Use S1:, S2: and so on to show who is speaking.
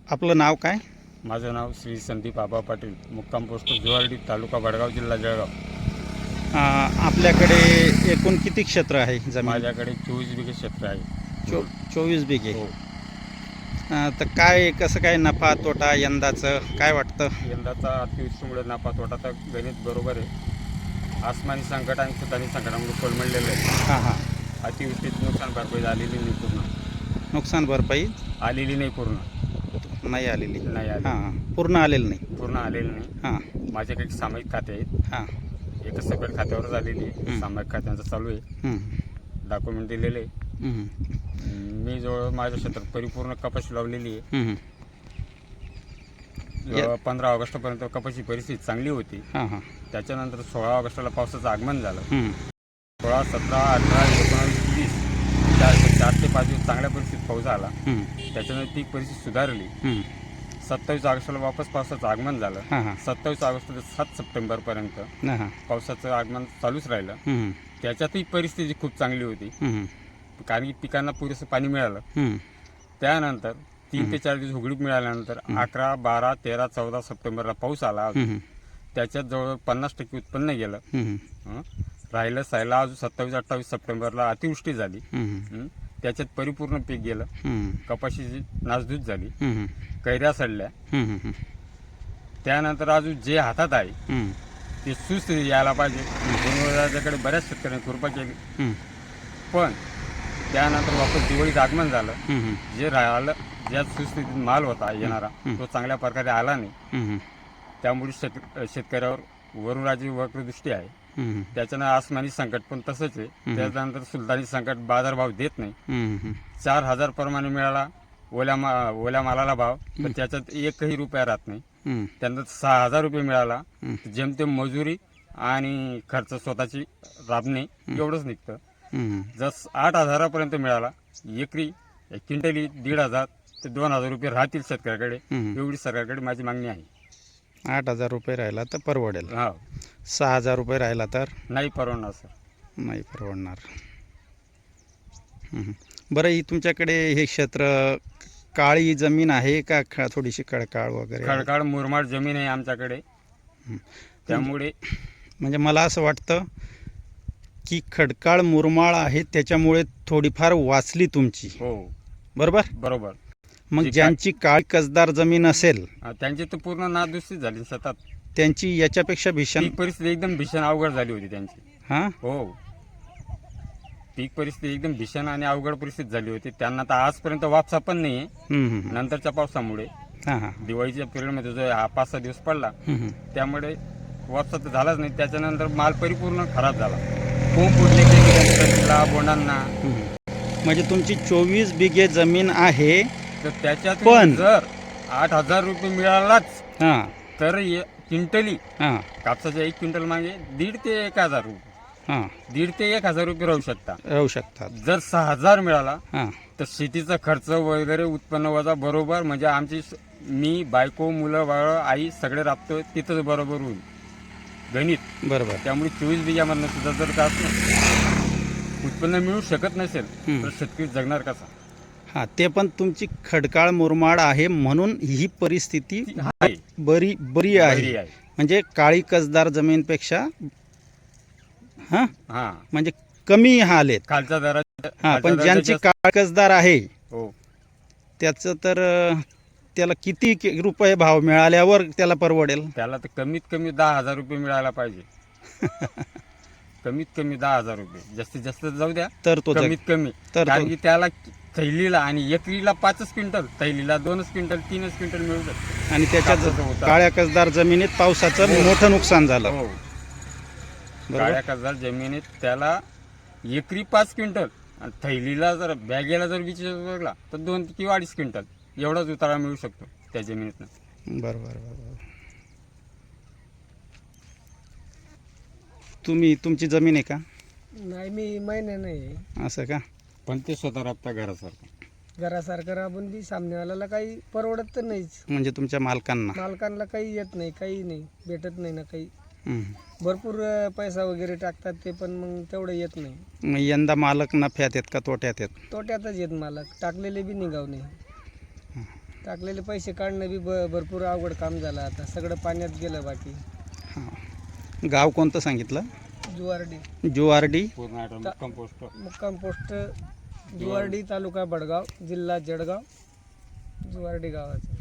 S1: आपलं नाव काय?
S2: माझं नाव श्री संदीप आबा पाटील, मुक्काम पोस्ट जुवारडी, तालुका भडगाव, जिल्हा जळगाव.
S1: आपल्याकडे एकूण किती क्षेत्र आहे जमीन?
S2: माझ्याकडे 24 बिघे क्षेत्र आहे.
S1: 24 बिघे.
S2: हो.
S1: तर काय कसं काय नफा तोटा यंदाचं काय वाटतं?
S2: यंदाचा अतिवृष्टीमुळे नफा तोटा तर गणित बरोबर आहे. आसमानी संकट आणि सुतानी संकटामुळे कोलमडलेलं आहे.
S1: हां हां.
S2: अतिवृष्टीत नुकसान भरपाई झालेली नाही पूर्ण.
S1: नुकसान भरपाई
S2: आलेली नाही पूर्ण.
S1: नाही आलेली.
S2: नाही आली.
S1: हां पूर्ण आलेलं नाही.
S2: पूर्ण आलेली नाही.
S1: हां
S2: माझ्याकडे सामायिक खाते आहेत.
S1: हां.
S2: एक सेपरेट खात्यावर झालेली आहे. सामायिक खात्यांचं चालू आहे. डॉक्युमेंट दिलेले आहे. मी जवळ माझ्या क्षेत्रात परिपूर्ण कपाशी लावलेली आहे. 15 ऑगस्टपर्यंत कपाशी परिस्थिती चांगली होती.
S1: हां हां.
S2: त्याच्यानंतर 16 ऑगस्टला पावसाचं आगमन झालं. 16, 17, 18, 19, 20 4 ते 5 दिवस चांगल्या परिस्थितीत पाऊस आला. त्याच्यानंतर पीक परिस्थिती सुधारली. 27 ऑगस्टला वापस पावसाचं आगमन झालं. 27 ऑगस्ट ते 7 सप्टेंबरपर्यंत पावसाचं आगमन चालूच राहिलं. त्याच्यातही परिस्थिती खूप चांगली होती, कारण की पिकांना पुरेसं पाणी मिळालं. त्यानंतर 3 ते 4 दिवस उघडीप मिळाल्यानंतर 11, 12, 13, 14 सप्टेंबरला पाऊस आला. त्याच्यात जवळ 50% उत्पन्न गेलं. राहिलं सायला अजून 27, 28 सप्टेंबरला अतिवृष्टी झाली. त्याच्यात परिपूर्ण पीक गेलं. कपाशीची नासधूस झाली. कैऱ्या सडल्या. त्यानंतर अजून जे हातात आहे ते सुस्थितीत यायला पाहिजे. गुणवत्ताकडे बऱ्याच शेतकऱ्यांनी कृपा केली, पण त्यानंतर वापस दिवाळीत आगमन झालं. जे राहिलं, ज्या सुस्थितीत माल होता येणारा तो चांगल्या प्रकारे आला नाही. त्यामुळे शेतकऱ्यावर वरून राजी वक्रदृष्टी आहे. त्याच्यानं आसमानी संकट पण तसंच आहे. त्याच्यानंतर सुलतानी संकट, बाजारभाव देत नाही. 4,000 प्रमाणे मिळाला ओल्या मालाला भाव, पण त्याच्यात एकही रुपया राहत नाही. त्यानंतर 6,000 रुपये मिळाला, जेमतेम मजुरी आणि खर्च स्वतःची राबणे एवढंच निघतं. जर 8,000पर्यंत मिळाला एकरी, क्विंटली 1,500 ते 2,000 रुपये राहतील शेतकऱ्याकडे, एवढी सरकारकडे माझी मागणी आहे.
S1: 8,000 रुपये राहिला तर परवडेल.
S2: हा.
S1: 6,000 रुपये राहिला तर
S2: नाही परवडणार सर.
S1: नाही परवडणार. बरं, ही तुमच्याकडे हे क्षेत्र काळी जमीन आहे का थोडीशी खडकाळ वगैरे?
S2: खडकाळ मुरमाड जमीन आहे आमच्याकडे. त्यामुळे
S1: म्हणजे मला असं वाटतं की खडकाळ मुरमाळ आहे त्याच्यामुळे थोडीफार वाचली तुमची.
S2: हो
S1: बरोबर.
S2: बरोबर.
S1: मग ज्यांची काळी कसदार जमीन असेल
S2: त्यांची तर पूर्ण नादुरुस्ती झाली सतत.
S1: त्यांची याच्यापेक्षा भीषण
S2: परिस्थिती एकदम भीषण अवघड झाली होती त्यांची.
S1: हां
S2: हो, पीक परिस्थिती एकदम भीषण आणि अवघड परिस्थिती झाली होती. त्यांना तर आजपर्यंत वापसा पण नाही आहे. नंतरच्या पावसामुळे दिवाळीच्या पिरियडमध्ये जो 5-6 दिवस पडला त्यामुळे वापसा तर झालाच नाही. त्याच्यानंतर माल परिपूर्ण खराब झाला. खूप फुटले बोंडांना.
S1: म्हणजे तुमची 24 बिघे जमीन आहे,
S2: तर त्याच्यात
S1: पण
S2: जर 8,000 रुपये मिळालाच तर क्विंटली कापसाच्या 1 क्विंटल मागे 1,500 ते 1,000 रुपये, 1,500 ते 1,000 रुपये राहू शकतात. जर 6,000 मिळाला तर शेतीचा खर्च वगैरे उत्पन्न वजा बरोबर, म्हणजे आमची मी बायको मुलं बाळ आई सगळे राबतो तिथंच बरोबर होईल गणित. बरोबर. त्यामुळे 24 बिघ्यामधनं सुद्धा जर का उत्पन्न मिळू शकत नसेल तर शेतकरी जगणार कसा?
S1: ते पण तुमची खडकाळ मुरमाड आहे म्हणून ही परिस्थिती बरी आहे. म्हणजे काळी कसदार जमीनपेक्षा म्हणजे कमी हाल आहेत
S2: खालच्या दरात.
S1: पण ज्यांची काळी कसदार आहे त्याचं तर त्याला किती रुपये भाव मिळाल्यावर त्याला परवडेल?
S2: त्याला तर कमीत कमी 10,000 रुपये मिळायला पाहिजे. कमीत कमी 10,000 रुपये, जास्तीत जास्त जाऊ द्या तर तो कमीत कमी. कारण की त्याला थैलीला आणि एकरीला 5 क्विंटल, थैलीला 2 क्विंटल, 3 क्विंटल मिळू शकतं.
S1: आणि त्याच्यात काळ्या कसदार जमिनीत पावसाचं मोठं नुकसान झालं.
S2: हो, काळ्या कसदार जमिनीत त्याला एकरी 5 क्विंटल आणि थैलीला जर बॅगेला जर विचारला तर 2 किंवा 2.5 क्विंटल एवढाच उतारा मिळू शकतो त्या जमिनीतनं.
S1: बरोबर. तुमची जमीन आहे का?
S3: नाही, मी महिने नाही.
S1: असं का?
S2: पण ते स्वतः राबता
S3: घरासारखं राबून बी सामनेवाल्याला काही परवडत तर नाहीच.
S1: म्हणजे तुमच्या मालकांना
S3: काही येत नाही, काही नाही भेटत नाही ना काही. भरपूर पैसा वगैरे टाकतात ते, पण मग तेवढं येत नाही.
S1: मग यंदा मालक नफ्यात आहेत का तोट्यात आहेत?
S3: तोट्यातच येत मालक. टाकलेले बी निघाव नाही. टाकलेले पैसे काढणं बी भरपूर अवघड काम झालं. आता सगळं पाण्यात गेलं. बाकी
S1: हां. गाव कोणतं सांगितलं?
S3: जुवारडी.
S1: जुवारडी.
S2: पूर्ण कंपोस्ट
S3: मुक्काम पोस्ट जुवारडी, तालुका बडगाव, जिल्हा जळगाव, जुवारडी गावाचं.